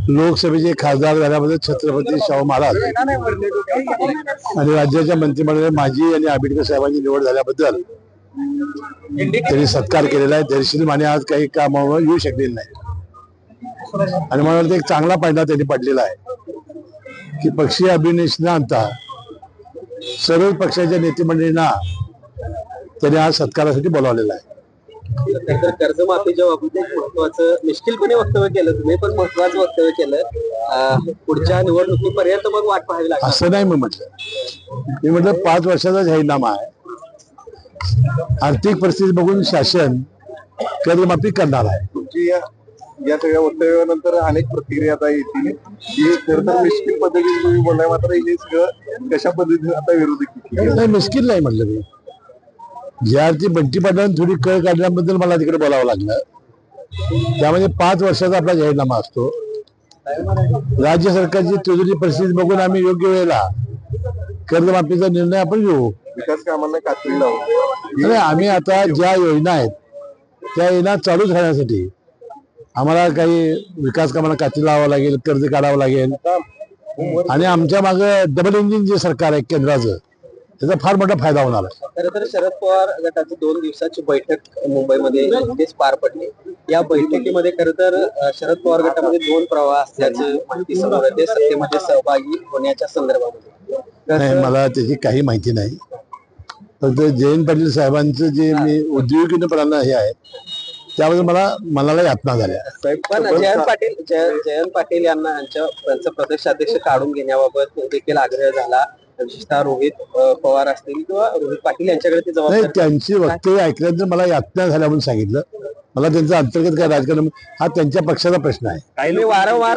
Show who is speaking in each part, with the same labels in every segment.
Speaker 1: लोकसभेचे खासदार झाल्याबद्दल छत्रपती शाहू महाराज आणि राज्याच्या मंत्रिमंडळात माझी आणि आंबेडकर साहेबांची निवड झाल्याबद्दल त्यांनी सत्कार केलेला आहे. दर्शनी माने आज काही कामावर येऊ शकलेले नाही आणि मला वाटतं एक चांगला पायंडा त्यांनी पडलेला आहे की पक्षीय अभिनेश न आणता सर्व पक्षाच्या नेतेमंडळींना त्यांनी आज सत्कारासाठी बोलावलेला आहे.
Speaker 2: कर्जमाफीच्या बाबतीत एक महत्वाचं निश्चितपणे वक्तव्य केलं तुम्ही, पण महत्वाचं वक्तव्य केलं पुढच्या निवडणुकीपर्यंत मग वाट पाहावी लागेल
Speaker 1: असं नाही. मी म्हटलं 5 वर्षाचा जाहीरनामा आहे. आर्थिक परिस्थिती बघून शासन कर्जमाफी करणार आहे.
Speaker 3: तुमची या सगळ्या वक्तव्यानंतर अनेक प्रतिक्रिया आता येतील की खरं तर मिश्किल पद्धतीने तुम्ही बोललाय, मात्र हे सगळं कशा पद्धतीने आता विरोधक
Speaker 1: नाही, मिश्किल नाही म्हटलं मी. ज्या अर्थी बंटी पाटलांनी थोडी कळ काढल्याबद्दल मला तिकडे बोलावं लागलं. त्यामध्ये 5 वर्षाचा आपला जाहीरनामा असतो. राज्य सरकारची तुझी परिस्थिती बघून आम्ही योग्य वेळेला कर्जमाफीचा निर्णय आपण घेऊ.
Speaker 3: विकास कामांना कात्री लावून
Speaker 1: नाही, आम्ही आता ज्या योजना आहेत त्या योजना चालूच राहण्यासाठी आम्हाला काही विकास कामाला कात्री लावावं लागेल, कर्ज काढावं लागेल आणि आमच्या मागं डबल इंजिन जे सरकार आहे केंद्राचं, त्याचा फार मोठा फायदा होणार आहे.
Speaker 2: खरं तर शरद पवार गटाची 2 दिवसाची बैठक मुंबईमध्ये नुकतीच पार पडली. या बैठकीमध्ये खरं तर शरद पवार गटामध्ये 2 प्रवाह असल्याचं माहिती समोर येते सत्तेमध्ये सहभागी होण्याच्या संदर्भामध्ये.
Speaker 1: नाही, मला त्याची काही माहिती नाही. फक्त जयंत पाटील साहेबांचं जे मी उद्योगीपणाला हे आहे त्याबद्दल मला मनाला यातना झाल्या.
Speaker 2: पण जयंत पाटील यांना त्यांचं प्रदेशाध्यक्ष काढून घेण्याबाबत देखील आग्रह झाला. विशेषतः रोहित पवार असतील किंवा रोहित पाटील यांच्याकडे ती
Speaker 1: नाही,
Speaker 2: जबाबदारी.
Speaker 1: त्यांची वक्तव्य ऐकल्यानंतर मला यातना झाल्या म्हणून सांगितलं. मला त्यांचं अंतर्गत काय राजकारण हा त्यांच्या पक्षाचा प्रश्न आहे.
Speaker 2: तुम्ही वारंवार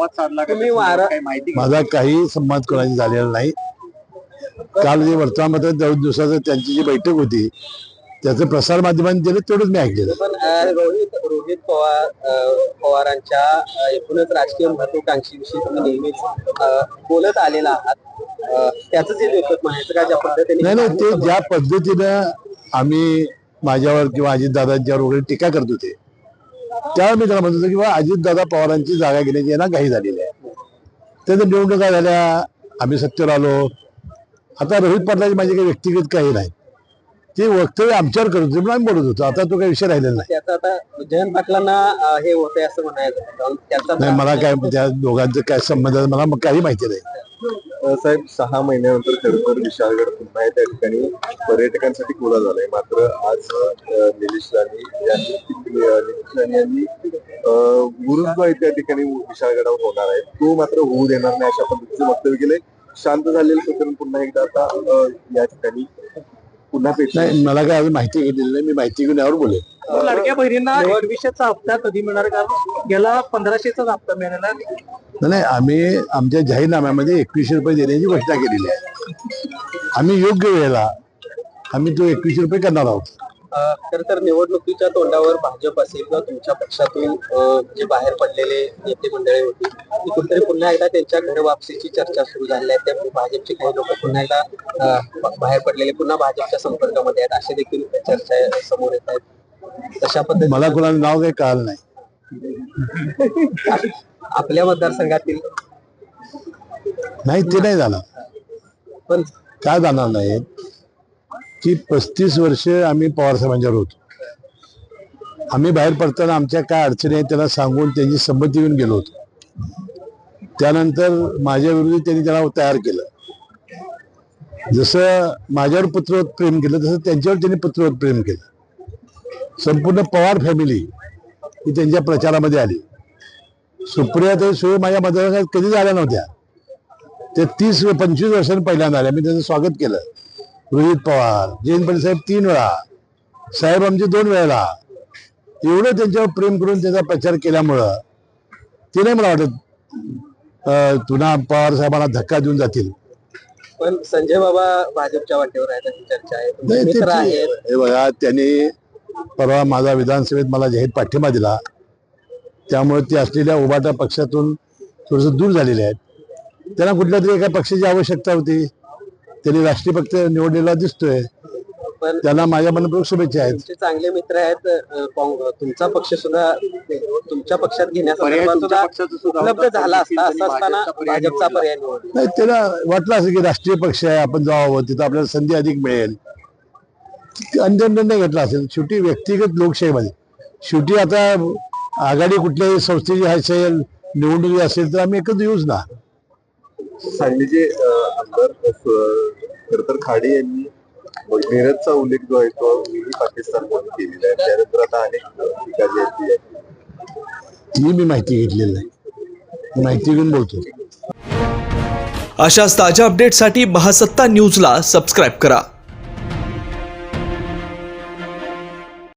Speaker 1: माझा काही संवाद कोणाशी झालेला नाही. काल जे वर्तमानपत्रात 2 दिवसाचं त्यांची जी बैठक होती त्याचं प्रसार माध्यमांनी दिलं तेवढंच मी ऐकलेलं.
Speaker 2: पण रोहित पवारांच्या एकूणच राजकीय महत्वाकांक्षीविषयी तुम्ही नेहमीच बोलत आलेला आहात. त्याच जे लेखक म्हणायचं का ज्या पद्धतीने
Speaker 1: नाही, ते ज्या पद्धतीनं आम्ही माझ्यावर किंवा अजितदादांच्यावर वगैरे टीका करत होते त्यावेळी मी त्याला म्हणत होतो किंवा अजितदादा पवारांची जागा घेण्याची यांना घाई झालेली आहे. त्याचं निवडणुका झाल्या, आम्ही सत्तेवर आलो. आता रोहित पाटलाची माझी काही व्यक्तिगत काही नाही. ते वक्तव्य आमच्यावर करत होते म्हणून आम्ही बोलत होतो. आता तो काही विषय राहिलेला नाही.
Speaker 2: त्याचा आता जयंत पाटलांना हे होतंय असं म्हणायचं.
Speaker 1: नाही, मला काय त्या दोघांचं काय संबंध आहे मला काही माहिती नाही.
Speaker 3: साहेब 6 महिन्यानंतर खरं तर विशाळगड पुन्हा त्या ठिकाणी पर्यटकांसाठी खुला झालाय. मात्र आज निलेश राणे यांनी गुरुद्वारा त्या ठिकाणी विशाळगडावर होणार आहे तो मात्र होऊ देणार नाही अशा पद्धतीचे वक्तव्य केले. शांत झालेलं प्रकरण पुन्हा एकदा आता या ठिकाणी पुन्हा
Speaker 1: नाही, मला काय अजून माहिती घेतलेली नाही. मी माहिती घेऊन यावर बोलेल.
Speaker 2: लाडक्या बहिणींना 2100चा हप्ता कधी मिळणार? कारण गेला 1500चाच हप्ता मिळाला
Speaker 1: नाही. आम्ही आमच्या जाहीरनाम्यामध्ये 2100 रुपये देण्याची घोषणा केलेली आहे. आम्ही योग्य वेळेला आम्ही तो 2100 रुपये करणार आहोत.
Speaker 2: खर तर निवडणुकीच्या तोंडावर भाजप असेल किंवा तुमच्या पक्षातून जे बाहेर पडलेले नेते मंडळी होती ती कुठेतरी पुन्हा एकदा त्यांच्या घर वापसीची चर्चा सुरू झाली आहे. त्यामुळे भाजपचे काही लोक पुन्हा एकदा बाहेर पडलेले पुन्हा भाजपच्या संपर्कामध्ये आहेत असे देखील चर्चा समोर येत आहेत. तशा पद्धतीने
Speaker 1: मला कोणाचं नाव काही कळलं नाही.
Speaker 2: आपल्या मतदारसंघातील
Speaker 1: नाही, ते नाही जाणार.
Speaker 2: पण
Speaker 1: काय जाणार नाही की 35 वर्ष आम्ही पवार साहेबांच्यावर होतो. आम्ही बाहेर पडताना आमच्या काय अडचणी आहेत त्यांना सांगून त्यांची संमती घेऊन गेलो होतो. त्यानंतर माझ्या विरोधी त्यांनी त्याला तयार केलं. जसं माझ्यावर पुत्रवत प्रेम केलं तसं त्यांच्यावर त्यांनी पुत्रवत प्रेम केलं. संपूर्ण पवार फॅमिली ही त्यांच्या प्रचारामध्ये आली. सुप्रिया ते सोय माझ्या मतदारसंघात कधी झाल्या नव्हत्या. ते 30-25 वर्षांनी पहिल्यांदा आल्या. मी त्याचं स्वागत केलं. रोहित पवार, जयंत पाटील साहेब 3 वेळा, साहेब आमचे 2 वेळेला, एवढं त्यांच्यावर प्रेम करून त्याचा प्रचार केल्यामुळं ते नाही मला वाटत पुन्हा पवार साहेबांना धक्का देऊन जातील.
Speaker 2: पण संजय बाबा भाजपच्या वाटेवर आहेत अशी चर्चा आहे.
Speaker 1: हे बघा, त्यांनी परवा माझा विधानसभेत मला जाहीर पाठिंबा दिला. त्यामुळे ते असलेल्या उभाटा पक्षातून थोडस दूर झालेले आहेत. त्यांना कुठल्या तरी एका पक्षाची आवश्यकता होती. त्यांनी राष्ट्रीय पक्ष निवडलेला दिसतोय.
Speaker 2: पण
Speaker 1: त्यांना माझ्या मनपूर्वक शुभेच्छा आहेत.
Speaker 2: तुमचे चांगले मित्र आहेत. तुमचा पक्ष सुद्धा तुमच्या पक्षात घेण्यासाठी उपलब्ध झाला असता, असं असताना भाजपचा पर्याय निवडला.
Speaker 1: नाही, त्याला वाटलं असं की राष्ट्रीय पक्ष आहे, आपण जावं, तिथं आपल्याला संधी अधिक मिळेल, अंतिम निर्णय घेतला असेल. शेवटी व्यक्तिगत लोकशाहीमध्ये शेवटी आता आघाडी कुठल्याही संस्थेची असेल, निवडणुकी असेल, तर आम्ही एकत्र येऊच ना.
Speaker 3: सांगलीचे आमदार खर तर खाडे यांनी मिरजचा उल्लेख जो आहे तो मिनी पाकिस्तान म्हणून केलेला आहे. त्यानंतर आता अनेक टीका जी आहेत
Speaker 1: ती मी माहिती घेतलेली नाही, माहिती घेऊन बोलतो.
Speaker 4: अशाच ताज्या अपडेटसाठी महासत्ता न्यूजला सबस्क्राईब करा.